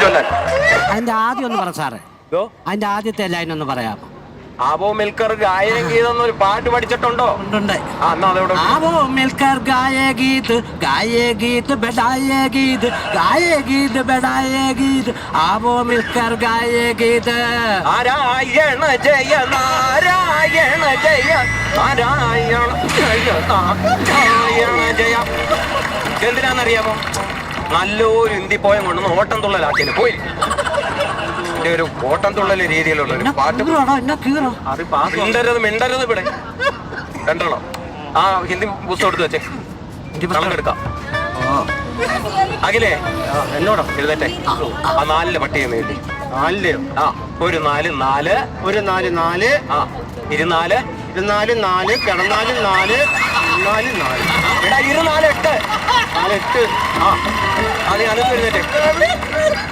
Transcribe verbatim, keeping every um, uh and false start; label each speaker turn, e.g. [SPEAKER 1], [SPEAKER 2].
[SPEAKER 1] ചൊല്ലാൻ.
[SPEAKER 2] അതിന്റെ ആദ്യം ഒന്ന് പറ സാറേ. അതിന്റെ ആദ്യത്തെ ലൈൻ ഒന്ന് പറയാമോ?
[SPEAKER 1] ആവോ മിൽക്കർ ഗായക ഗീതം എന്നൊരു പാട്ട് പഠിച്ചിട്ടുണ്ടോ?
[SPEAKER 2] ഉണ്ട്.
[SPEAKER 1] ആ എന്നാ അതോടെ.
[SPEAKER 2] ആവോ മിൽക്കർ ഗായേ ഗീത് ഗായേ ഗീത് ബെഡായേ ഗീത് ഗായേ ഗീത് ബെഡായേ ഗീത് ആവോ മിൽക്കർ ഗായേ ഗീത്.
[SPEAKER 1] നാരായണ ജയ നാരായണ ജയ നാരായണ ജയ നാരായണ ജയ. എന്തിനാന്നറിയാമോ? നല്ലൊരു ഹിന്ദി പോയം കൊണ്ടു ഓട്ടം തുള്ളലാക്കിന് പോയി. ഒരു ഓട്ടം തുള്ളല് രീതിയിലുള്ള ഒരു പാട്ട്. മിണ്ടരുത് മിണ്ടരുത് ഇവിടെ രണ്ടോളോ. ആ ഹിന്ദി പുസ്തകം എടുത്ത് വെച്ചേ, കണക്കെടുക്കാം. അഖിലേ എന്നോടോ എഴുതട്ടെ. ആ നാലില് പട്ടിക എഴുതി.
[SPEAKER 3] നാലില്
[SPEAKER 1] ആ ഒരു നാല് നാല്
[SPEAKER 3] ഒരു നാല് നാല്
[SPEAKER 1] ആ ഇരുനാല്
[SPEAKER 3] ഇരുനാല് നാല് കിടന്നാല് നാല് നാല് നാല്
[SPEAKER 1] എടാ ഇരുനാല് എട്ട്
[SPEAKER 3] നാല് എട്ട്
[SPEAKER 1] ആ അത് ഞാനും എഴുതട്ടെ.